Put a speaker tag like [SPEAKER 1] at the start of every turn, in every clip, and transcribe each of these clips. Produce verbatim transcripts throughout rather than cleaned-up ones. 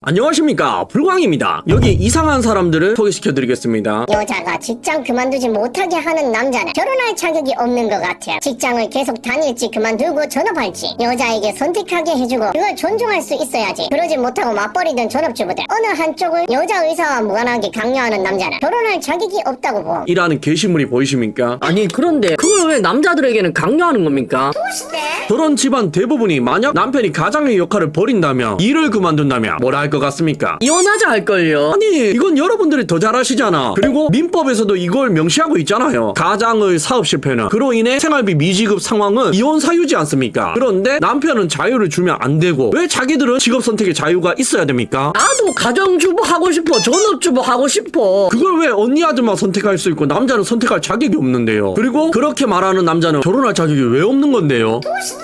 [SPEAKER 1] 안녕하십니까, 불광입니다. 여기 이상한 사람들을 소개시켜드리겠습니다.
[SPEAKER 2] 여자가 직장 그만두지 못하게 하는 남자는 결혼할 자격이 없는 것 같아요. 직장을 계속 다닐지 그만두고 전업할지 여자에게 선택하게 해주고 그걸 존중할 수 있어야지. 그러지 못하고 맞벌이든 전업주부들 어느 한쪽을 여자 의사와 무관하게 강요하는 남자는 결혼할 자격이 없다고 보.
[SPEAKER 1] 이라는 게시물이 보이십니까?
[SPEAKER 3] 아니 그런데 그걸 왜 남자들에게는 강요하는 겁니까?
[SPEAKER 1] 저런 집안 대부분이 만약 남편이 가장의 역할을 버린다면, 일을 그만둔다면 뭐라 할 것 같습니까?
[SPEAKER 3] 이혼하자 할걸요.
[SPEAKER 1] 아니, 이건 여러분들이 더 잘 아시잖아. 그리고 민법에서도 이걸 명시하고 있잖아요. 가장의 사업 실패는 그로 인해 생활비 미지급 상황은 이혼 사유지 않습니까? 그런데 남편은 자유를 주면 안 되고 왜 자기들은 직업 선택의 자유가 있어야 됩니까?
[SPEAKER 3] 나도 가정주부 하고 싶어. 전업주부 하고 싶어.
[SPEAKER 1] 그걸 왜 언니 아들만 선택할 수 있고 남자는 선택할 자격이 없는데요? 그리고 그렇게 말하는 남자는 결혼할 자격이 왜 없는 건데요?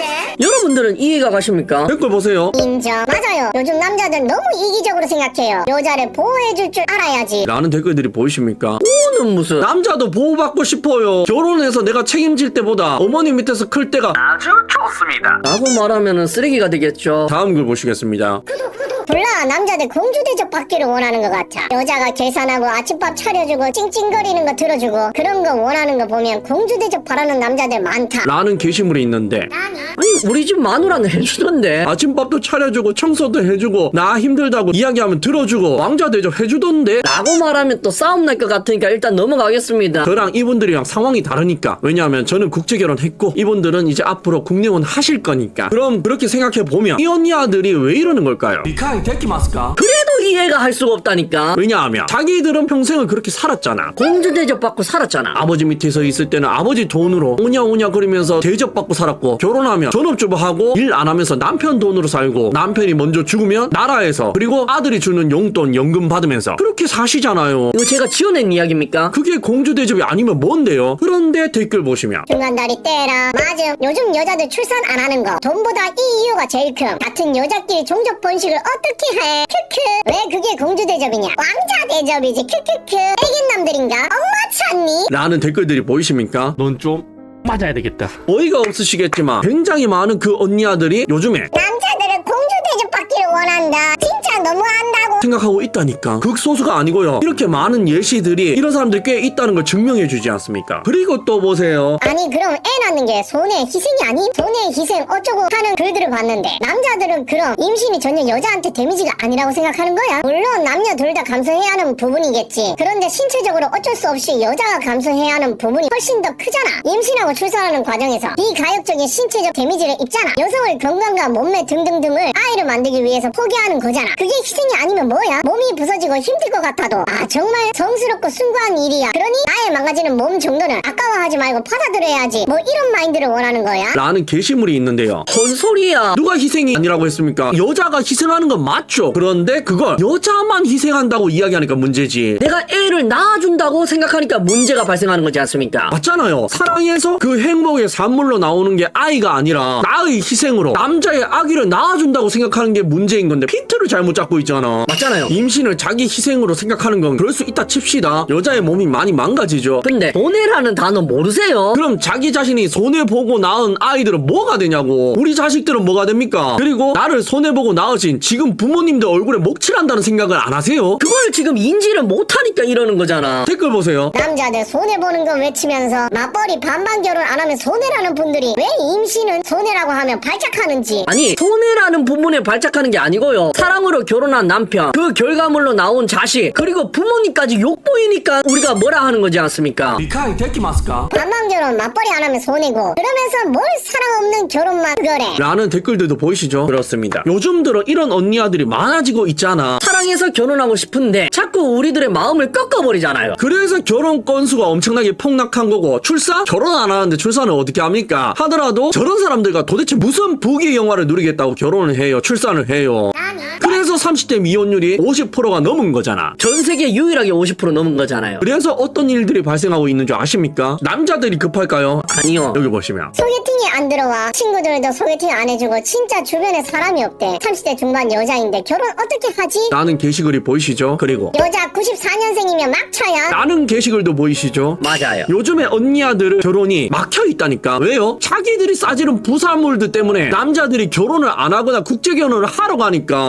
[SPEAKER 3] 여러분들은 이해가 가십니까?
[SPEAKER 1] 댓글 보세요.
[SPEAKER 2] 인정. 맞아요. 요즘 남자들 너무 이기적으로 생각해요. 여자를 보호해줄 줄 알아야지.
[SPEAKER 1] 라는 댓글들이 보이십니까?
[SPEAKER 3] 오는 무슨
[SPEAKER 1] 남자도 보호받고 싶어요. 결혼해서 내가 책임질 때보다 어머니 밑에서 클 때가 아주 좋습니다.
[SPEAKER 3] 라고 말하면은 쓰레기가 되겠죠.
[SPEAKER 1] 다음 글 보시겠습니다.
[SPEAKER 2] 몰라, 남자들 공주 대접 받기를 원하는 것 같아. 여자가 계산하고 아침밥 차려주고 찡찡거리는 거 들어주고 그런 거 원하는 거 보면 공주 대접 바라는 남자들 많다.
[SPEAKER 1] 라는 게시물이 있는데,
[SPEAKER 3] 아니 우리 집 마누라는 해주던데.
[SPEAKER 1] 아침밥도 차려주고 청소도 해주고 나 힘들다고 이야기하면 들어주고 왕자 대접 해주던데.
[SPEAKER 3] 라고 말하면 또 싸움 날 것 같으니까 일단 넘어가겠습니다.
[SPEAKER 1] 저랑 이분들이랑 상황이 다르니까. 왜냐하면 저는 국제결혼했고 이분들은 이제 앞으로 국내혼 하실 거니까. 그럼 그렇게 생각해보면 이 언니 아들이 왜 이러는 걸까요? 리카이 데키마스까?
[SPEAKER 3] 그래도 이해가 할 수가 없다니까.
[SPEAKER 1] 왜냐하면 자기들은 평생을 그렇게 살았잖아.
[SPEAKER 3] 공주 대접 받고 살았잖아.
[SPEAKER 1] 아버지 밑에서 있을 때는 아버지 돈으로 오냐오냐 거리면서 대접받고 살았고, 결혼하면 전업주부하고 일 안 하면서 남편 돈으로 살고, 남편이 먼저 죽으면 나라에서, 그리고 아들이 주는 용돈 연금 받으면서 그렇게 사시잖아요.
[SPEAKER 3] 이거 제가 지어낸 이야기입니까?
[SPEAKER 1] 그게 공주 대접이 아니면 뭔데요? 그런데 댓글 보시면
[SPEAKER 2] 중간다리 떼라. 맞음. 요즘 여자들 출산 안 하는 거 돈보다 이 이유가 제일 큼. 같은 여자끼리 종족 번식을 어떻게 해? 크크. 왜 그게 공주 대접이냐? 왕자 대접이지. 크크크. 애견남들인가? 엄마 찾니?
[SPEAKER 1] 라는 댓글들이 보이십니까?
[SPEAKER 4] 넌 좀 맞아야 되겠다.
[SPEAKER 1] 어이가 없으시겠지만 굉장히 많은 그 언니 아들이 요즘에
[SPEAKER 2] 남자들은 공주 대접 받기를 원한다. 진짜 너무한다고.
[SPEAKER 1] 생각하고 있다니까. 극소수가 아니고요. 이렇게 많은 예시들이 이런 사람들 꽤 있다는 걸 증명해 주지 않습니까? 그리고 또 보세요.
[SPEAKER 2] 아니 그럼 애 낳는 게 손해의 희생이 아님? 손해의 희생 어쩌고 하는 글들을 봤는데 남자들은 그럼 임신이 전혀 여자한테 데미지가 아니라고 생각하는 거야? 물론 남녀 둘 다 감수해야 하는 부분이겠지. 그런데 신체적으로 어쩔 수 없이 여자가 감수해야 하는 부분이 훨씬 더 크잖아. 임신하고 출산하는 과정에서 비가역적인 신체적 데미지를 입잖아. 여성을 건강과 몸매 등등등을 아이를 만들기 위해서 포기하는 거잖아. 그게 희생이 아니면 뭐야? 몸이 부서지고 힘들 것 같아도 아 정말 성스럽고 숭고한 일이야. 그러니 나의 망가지는 몸 정도는 아까워하지 말고 받아들여야지. 뭐 이런 마인드를 원하는 거야?
[SPEAKER 1] 라는 게시물이 있는데요.
[SPEAKER 3] 뭔 소리야?
[SPEAKER 1] 누가 희생이 아니라고 했습니까? 여자가 희생하는 건 맞죠. 그런데 그걸 여자만 희생한다고 이야기하니까 문제지.
[SPEAKER 3] 내가 애를 낳아준다고 생각하니까 문제가 발생하는 거지 않습니까?
[SPEAKER 1] 맞잖아요. 사랑해서 그 행복의 산물로 나오는 게 아이가 아니라 나의 희생으로 남자의 아기를 낳아준다고 생각하는 게 문제인 건데 핀트를 잘못 잡고 있잖아.
[SPEAKER 3] 맞잖아요.
[SPEAKER 1] 임신을 자기 희생으로 생각하는 건 그럴 수 있다 칩시다. 여자의 몸이 많이 망가지죠.
[SPEAKER 3] 근데 손해라는 단어 모르세요?
[SPEAKER 1] 그럼 자기 자신이 손해보고 낳은 아이들은 뭐가 되냐고. 우리 자식들은 뭐가 됩니까? 그리고 나를 손해보고 낳으신 지금 부모님들 얼굴에 먹칠한다는 생각을 안 하세요?
[SPEAKER 3] 그걸 지금 인지를 못하니까 이러는 거잖아.
[SPEAKER 1] 댓글 보세요.
[SPEAKER 2] 남자들 손해보는 거 외치면서 맞벌이 반반 결혼 안 하면 손해라는 분들이 왜 임신은 손해라고 하면 발작하는지.
[SPEAKER 3] 아니 손해라는 부분에 발작하는 게 아니고요. 사랑으로 결혼한 남편, 그 결과물로 나온 자식, 그리고 부모님까지 욕보이니까 우리가 뭐라 하는 거지 않습니까?
[SPEAKER 1] 리카이 데키마스까?
[SPEAKER 2] 반반 결혼 맞벌이 안 하면 손해고 그러면서 뭘 사랑 없는 결혼만 그거래.
[SPEAKER 1] 라는 댓글들도 보이시죠? 그렇습니다. 요즘 들어 이런 언니 아들이 많아지고 있잖아.
[SPEAKER 3] 사랑해서 결혼하고 싶은데 자꾸 우리들의 마음을 꺾어버리잖아요.
[SPEAKER 1] 그래서 결혼 건수가 엄청나게 폭락한 거고, 출산? 결혼 안 하는데 출산을 어떻게 합니까? 하더라도 저런 사람들과 도대체 무슨 부귀 영화를 누리겠다고 결혼을 해요, 출산을 해요. 그래서 삼십 대 미혼율이 오십 퍼센트가 넘은 거잖아.
[SPEAKER 3] 전 세계 유일하게 오십 퍼센트 넘은 거잖아요.
[SPEAKER 1] 그래서 어떤 일들이 발생하고 있는 줄 아십니까? 남자들이 급할까요?
[SPEAKER 3] 아니요.
[SPEAKER 1] 여기 보시면
[SPEAKER 2] 소개팅이 안 들어와. 친구들도 소개팅 안 해주고 진짜 주변에 사람이 없대. 삼십 대 중반 여자인데 결혼 어떻게 하지?
[SPEAKER 1] 라는 게시글이 보이시죠? 그리고
[SPEAKER 2] 여자 구십사 년생이면 막차야.
[SPEAKER 1] 라는 게시글도 보이시죠?
[SPEAKER 3] 맞아요.
[SPEAKER 1] 요즘에 언니 아들은 결혼이 막혀 있다니까. 왜요? 자기들이 싸지른 부사물들 때문에 남자들이 결혼을 안 하거나 국제결혼을 하러 가니까 있는 남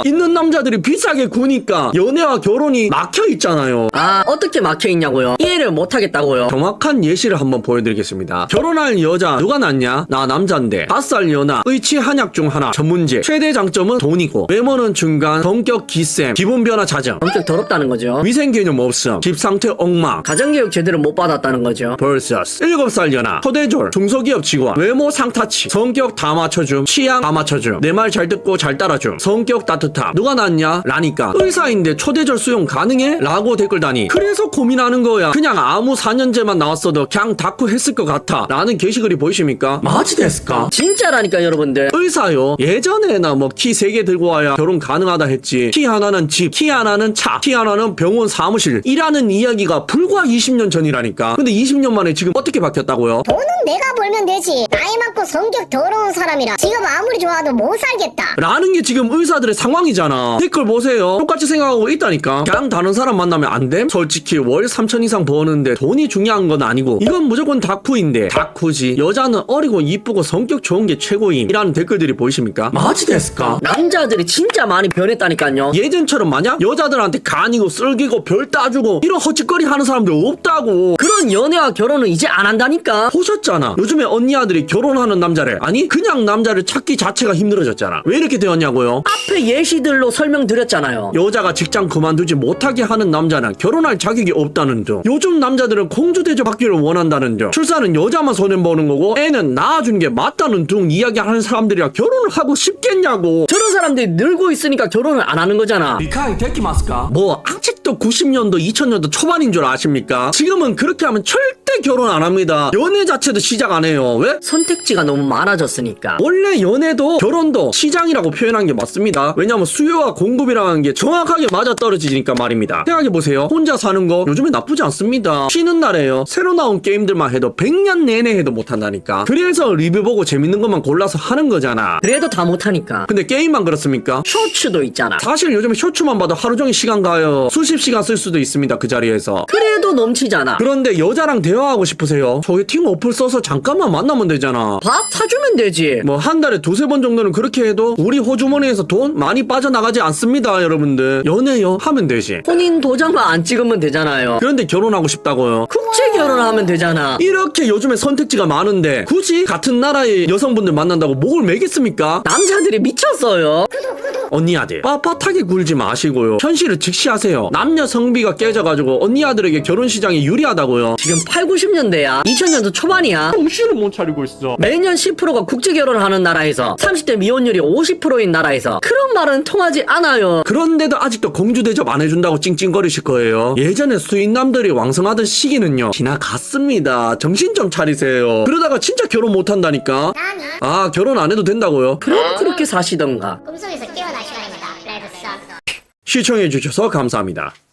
[SPEAKER 1] 남자들이 비싸게 구니까 연애와 결혼이 막혀 있잖아요.
[SPEAKER 3] 아, 어떻게 막혀있냐고요? 이해를 못하겠다고요?
[SPEAKER 1] 정확한 예시를 한번 보여드리겠습니다. 결혼할 여자 누가 낫냐? 나 남잔데 다섯 살 연하 의치 한약 중 하나. 첫 문제 최대 장점은 돈이고 외모는 중간, 성격 기쌤, 기분 변화 잦음,
[SPEAKER 3] 엄청 더럽다는 거죠.
[SPEAKER 1] 위생 개념 없음, 집 상태 엉망.
[SPEAKER 3] 가정교육 제대로 못 받았다는 거죠.
[SPEAKER 1] vs 일곱 살 연하 초대졸 중소기업 직원 외모 상타치 성격 다 맞춰줌 취향 다 맞춰줌 내 말 잘 듣고 잘 따라줌 성격 따뜻함. 누가 낫냐? 라니까 의사인데 초대졸 수용 가능해? 라고 댓글 다니. 그래서 고민하는 거야. 그냥 아무 사 년제만 나왔어도 그냥 다쿠 했을 것 같아 라는 게시글이 보이십니까? 마지 됐을까?
[SPEAKER 3] 진짜라니까 여러분들.
[SPEAKER 1] 의사요. 예전에나 뭐 키 세 개 들고 와야 결혼 가능하다 했지. 키 하나는 집, 키 하나는 차, 키 하나는 병원 사무실 이라는 이야기가 불과 이십 년 전이라니까. 근데 이십 년 만에 지금 어떻게 바뀌었다고요?
[SPEAKER 2] 돈은 내가 벌면 되지. 나이 많고 성격 더러운 사람이라 지금 아무리 좋아도 못 살겠다.
[SPEAKER 1] 라는 게 지금 의사들의 상황이잖아. 댓글 보세요. 똑같이 생각하고 있다니까. 그냥 다른 사람 만나면 안 됨? 솔직히 월 삼천 이상 버는데 돈이 중요한 건 아니고 이건 무조건 다쿠인데 다쿠지. 여자는 어리고 이쁘고 성격 좋은 게 최고임 이라는 댓글들이 보이십니까? 마지 됐을까?
[SPEAKER 3] 남자들이 진짜 많이 변했다니까요.
[SPEAKER 1] 예전처럼 마냥 여자들한테 간이고 쓸기고 별 따주고 이런 헛짓거리 하는 사람들 없다고.
[SPEAKER 3] 그런 연애와 결혼은 이제 안 한다니까.
[SPEAKER 1] 보셨잖아. 요즘에 언니 아들이 결혼하는 남자를 아니 그냥 남자를 찾기 자체가 힘들어졌잖아. 왜 이렇게 되었냐고요?
[SPEAKER 3] 앞에 예시들로 설명드렸잖아요.
[SPEAKER 1] 여자가 직장 그만두지 못하게 하는 남자는 결혼할 자격이 없다는 등. 요즘 남자들은 공주 대접 받기를 원한다는 등. 출산은 여자만 손해보는 거고 애는 낳아주는 게 맞다는 등 이야기하는 사람들이야 결혼을 하고 싶겠냐고.
[SPEAKER 3] 저런 사람들이 늘고 있으니까 결혼을 안 하는 거잖아.
[SPEAKER 1] 리카이 데키마스까? 뭐 아직도 구십 년도 이천 년도 초반인 줄 아십니까? 지금은 그렇게 하면 절대 결혼 안 합니다. 연애 자체도 시작 안 해요. 왜?
[SPEAKER 3] 선택지가 너무 많아졌으니까.
[SPEAKER 1] 원래 연애도 결혼도 시장이라고 표현한 게 맞습니다. 왜냐면 수요와 공급이라는 게 정확하게 맞아떨어지니까 말입니다. 생각해보세요. 혼자 사는 거 요즘에 나쁘지 않습니다. 쉬는 날에요. 새로 나온 게임들만 해도 백 년 내내 해도 못한다니까. 그래서 리뷰 보고 재밌는 것만 골라서 하는 거잖아.
[SPEAKER 3] 그래도 다 못하니까.
[SPEAKER 1] 근데 게임만 그렇습니까?
[SPEAKER 3] 쇼츠도 있잖아.
[SPEAKER 1] 사실 요즘에 쇼츠만 봐도 하루 종일 시간 가요. 수십 시간 쓸 수도 있습니다. 그 자리에서.
[SPEAKER 3] 그래도 넘치잖아.
[SPEAKER 1] 그런데 여자랑 대화하고 싶으세요? 소개팅 어플 써서 잠깐만 만나면 되잖아.
[SPEAKER 3] 밥 사주면 되지.
[SPEAKER 1] 뭐 한 달에 두세 번 정도는 그렇게 해도 우리 호주머니에서 돈 많이 빠져나가지 않습니다. 여러분들 연애요 하면 되지.
[SPEAKER 3] 혼인 도장만 안 찍으면 되잖아요.
[SPEAKER 1] 그런데 결혼하고 싶다고요?
[SPEAKER 3] 국제 결혼하면 되잖아.
[SPEAKER 1] 이렇게 요즘에 선택지가 많은데 굳이 같은 나라의 여성분들 만난다고 목을 매겠습니까?
[SPEAKER 3] 남자들이 미쳤어요.
[SPEAKER 1] 언니 아들 빳빳하게 굴지 마시고요. 현실을 직시하세요. 남녀 성비가 깨져가지고 언니 아들에게 결혼 시장이 유리하다고요.
[SPEAKER 3] 지금 팔, 구십 년대야. 이천 년도 초반이야.
[SPEAKER 4] 정신을 못 차리고 있어.
[SPEAKER 3] 매년 십 퍼센트가 국제 결혼을 하는 나라에서 삼십 대 미혼율이 오십 퍼센트인 나라에서 그런 말은 통하지 않아요.
[SPEAKER 1] 그런데도 아직도 공주 대접 안 해준다고 찡찡거리실 거예요. 예전에 수인남들이 왕성하던 시기는요 지나갔습니다. 정신 좀 차리세요. 그러다가 진짜 결혼 못한다니까.
[SPEAKER 2] 나니
[SPEAKER 1] 아 결혼 안 해도 된다고요?
[SPEAKER 3] 그럼 그렇게 사시던가.
[SPEAKER 2] 꿈속에서 깨어날 시간입니다. 레드 선.
[SPEAKER 1] 시청해주셔서 감사합니다.